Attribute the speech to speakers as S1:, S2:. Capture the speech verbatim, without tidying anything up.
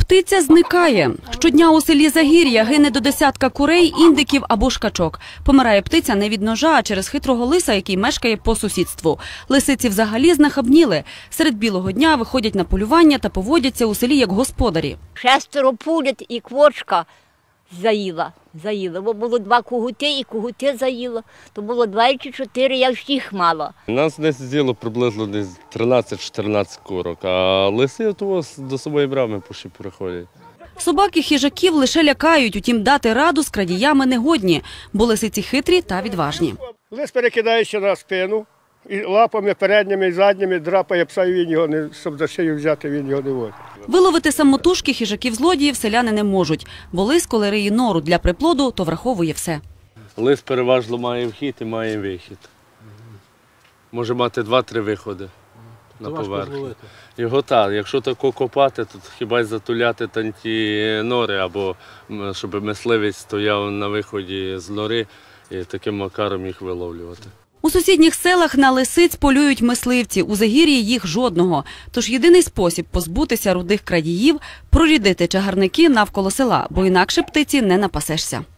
S1: Птиця зникає. Щодня у селі Загір'я гине до десятка курей, індиків або ж качок. Помирає птиця не від ножа, а через хитрого лиса, який мешкає по сусідству. Лисиці взагалі знахабніли. Серед білого дня виходять на полювання та поводяться у селі як господарі.
S2: Шестеро пулять і квочка заїла. заїла. Бо було два кугути і кугути заїло. То було два чи чотири, я всіх мала.
S3: Нас десь з'їло приблизно десь тринадцять-чотирнадцять курок, а лиси того до своєї брами поші приходять.
S1: Собаки хижаків лише лякають, утім дати раду з крадіями негодні, бо лисиці хитрі та відважні.
S4: Лис перекидається на спину, і лапами передніми і задніми драпає пса, і він його не, щоб за шию взяти, він його не водить.
S1: Виловити самотужки хижаків-злодіїв селяни не можуть, бо лис, коли риє нору для приплоду, то враховує все.
S3: Лис переважно має вхід і має вихід. Може мати два-три виходи на поверхню. Його так, якщо тако копати, то хіба й затуляти там ті нори, або щоб мисливець стояв на виході з нори і таким макаром їх виловлювати.
S1: У сусідніх селах на лисиць полюють мисливці, у Загір'ї їх жодного. Тож єдиний спосіб позбутися рудих крадіїв – прорідити чагарники навколо села, бо інакше птиці не напасешся.